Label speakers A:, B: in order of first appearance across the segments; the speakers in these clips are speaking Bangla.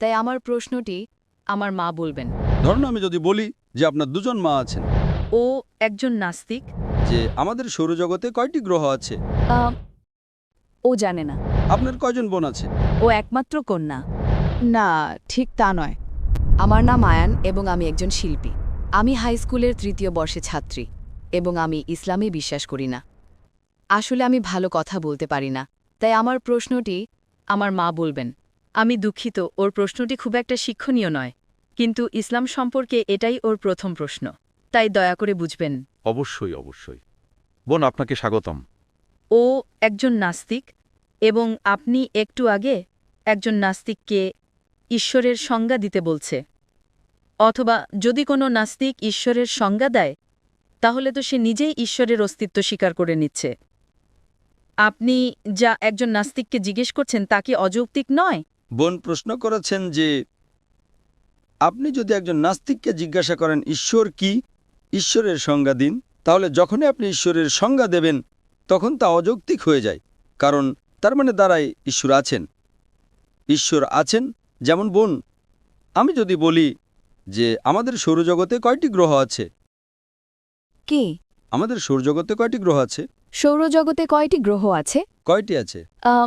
A: তাই আমার প্রশ্নটি আমার মা বলবেন।
B: ধরুন আমি যদি বলি যে আপনার দুজন মা আছেন,
A: ও একজন নাস্তিক।
B: যে আমাদের সৌরজগতে কয়টি গ্রহ আছে,
A: আম, ও জানে না।
B: আপনার কয়জন বোন আছে?
A: ও একমাত্র কন্যা।
C: না, ঠিক তা নয়।
A: আমার নাম আয়ান এবং আমি একজন শিল্পী। আমি হাই স্কুলের ৩য় বর্ষে ছাত্রী এবং আমি ইসলামে বিশ্বাস করি না। আসলে আমি ভালো কথা বলতে পারি না, তাই আমার প্রশ্নটি আমার মা বলবেন। আমি দুঃখিত, ওর প্রশ্নটি খুব একটা শিক্ষণীয় নয়, কিন্তু ইসলাম সম্পর্কে এটাই ওর প্রথম প্রশ্ন, তাই দয়া করে বুঝবেন।
D: অবশ্যই অবশ্যই। বোন, আপনাকে স্বাগতম।
A: ও একজন নাস্তিক এবং আপনি একটু আগে একজন নাস্তিককে ঈশ্বরের সংজ্ঞা দিতে বলছে। অথবা যদি কোনো নাস্তিক ঈশ্বরের সংজ্ঞা দেয়, তাহলে তো সে নিজেই ঈশ্বরের অস্তিত্ব স্বীকার করে নিচ্ছে। আপনি যা একজন নাস্তিককে জিজ্ঞেস করছেন তা কি অযৌক্তিক নয়?
B: বোন প্রশ্ন করেছেন যে আপনি যদি একজন নাস্তিককে জিজ্ঞাসা করেন ঈশ্বর কি, ঈশ্বরের সংজ্ঞা দিন, তাহলে যখনই আপনি ঈশ্বরের সংজ্ঞা দেবেন তখন তা অযৌক্তিক হয়ে যায়, কারণ তার মানে দাঁড়ায় ঈশ্বর আছেন। ঈশ্বর আছেন, যেমন বোন আমি যদি বলি যে আমাদের সৌরজগতে কয়টি গ্রহ আছে,
C: কি?
B: আমাদের সৌরজগতে কয়টি গ্রহ আছে,
C: সৌরজগতে কয়টি গ্রহ আছে?
B: কয়টি আছে,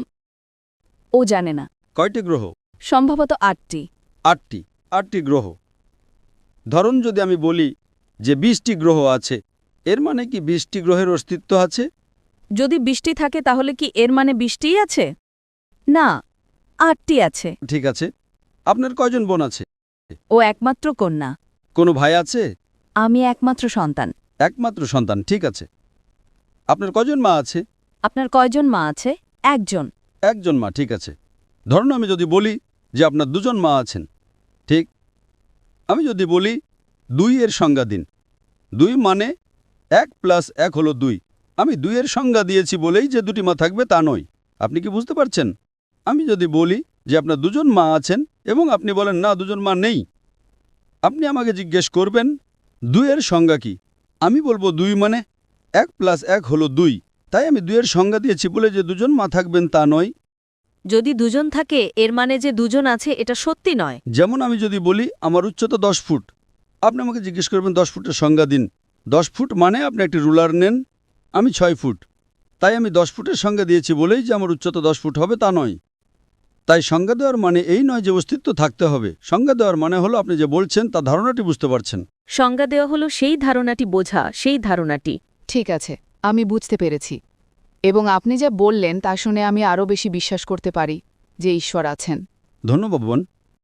C: ও জানে না।
B: কয়টি গ্রহ?
C: সম্ভবত 8টি।
B: 8টি গ্রহ। ধরুন যদি আমি বলি যে 20টি গ্রহ আছে, এর মানে কি 20টি গ্রহের অস্তিত্ব আছে?
A: যদি 20টি থাকে তাহলে কি এর মানে 20টিই আছে?
C: না, 8টি আছে।
B: ঠিক আছে। আপনার কয়জন বোন আছে?
A: ও একমাত্র কন্যা।
B: কোনো ভাই আছে?
C: আমি একমাত্র সন্তান।
B: একমাত্র সন্তান, ঠিক আছে। আপনার কয়জন মা আছে?
C: আপনার কয়জন মা আছে? একজন।
B: একজন মা, ঠিক আছে। ধরুন আমি যদি বলি যে আপনার দুজন মা আছেন, ঠিক। আমি যদি বলি 2 এর সংজ্ঞা দিন, 2 মানে 1 + 1 হলো 2। আমি 2 এর সংজ্ঞা দিয়েছি বলেই যে 2টি মা থাকবে তা নয়। আপনি কি বুঝতে পারছেন? আমি যদি বলি যে আপনার দুজন মা আছেন এবং আপনি বলেন না দুজন মা নেই, আপনি আমাকে জিজ্ঞেস করবেন 2 এর সংজ্ঞা কি। আমি বলবো 2 মানে 1 + 1 হলো 2। তাই আমি 2 এর সংজ্ঞা দিয়েছি বলে যে দুজন মা থাকবেন তা নয়।
A: যদি দুজন থাকে এর মানে যে দুজন আছে এটা সত্যি নয়।
B: যেমন আমি যদি বলি আমার উচ্চতা 10 ফুট, আপনি আমাকে জিজ্ঞেস করবেন 10 ফুটের সংজ্ঞা দিন। 10 ফুট মানে আপনি একটি রুলার নেন, আমি 6 ফুট। তাই আমি 10 ফুটের সংজ্ঞা দিয়েছি বলেই যে আমার উচ্চতা 10 ফুট হবে তা নয়। তাই সংজ্ঞা দেওয়ার মানে এই নয় যে অস্তিত্ব থাকতে হবে। সংজ্ঞা দেওয়ার মানে হলো আপনি যে বলছেন তা ধারণাটি বুঝতে পারছেন।
A: সংজ্ঞা দেওয়া হলো সেই ধারণাটি বোঝা, সেই ধারণাটি।
C: ঠিক আছে, আমি বুঝতে পেরেছি। এবং আপনি যা বললেন তা শুনে আমি আরও বেশি বিশ্বাস করতে পারি যে ঈশ্বর আছেন।
B: ধন্যবাদ বোন।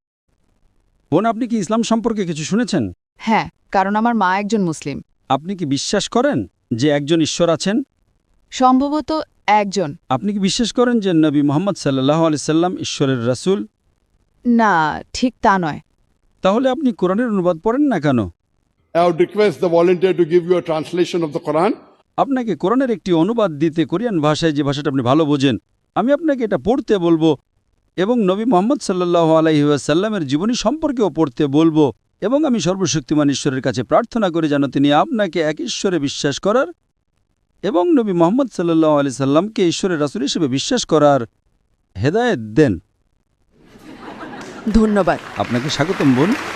B: বোন, আপনি কি ইসলাম সম্পর্কে কিছু শুনেছেন?
C: হ্যাঁ, কারণ আমার মা একজন মুসলিম।
B: আপনি কি বিশ্বাস করেন যে একজন ঈশ্বর আছেন?
C: সম্ভবত একজন।
B: আপনি কি বিশ্বাস করেন যে নবী মুহাম্মদ সাল্লাল্লাহু আলাইহি সাল্লাম ঈশ্বরের রাসূল?
C: না, ঠিক তা নয়।
B: তাহলে আপনি কোরআনের অনুবাদ পড়েন না কেন?
E: I would request the volunteer to give you a translation of the Quran.
B: আপনাকে কোরআনের একটি অনুবাদ দিতে কোরিয়ান ভাষায়, যে ভাষাটা আপনি ভালো বোঝেন। আমি আপনাকে এটা পড়তে বলবো এবং নবী মুহাম্মদ সাল্লাল্লাহু আলাইহি ওয়াসাল্লামের জীবনী সম্পর্কেও পড়তে বলবো, এবং আমি সর্বশক্তিমান ঈশ্বরের কাছে প্রার্থনা করি যেন তিনি আপনাকে এক ঈশ্বরে বিশ্বাস করার এবং নবী মুহাম্মদ সাল্লাল্লাহু আলাইহি সাল্লামকে ঈশ্বরের রাসূল হিসেবে বিশ্বাস করার হেদায়েত দেন।
C: ধন্যবাদ।
B: আপনাকে স্বাগতম বোন।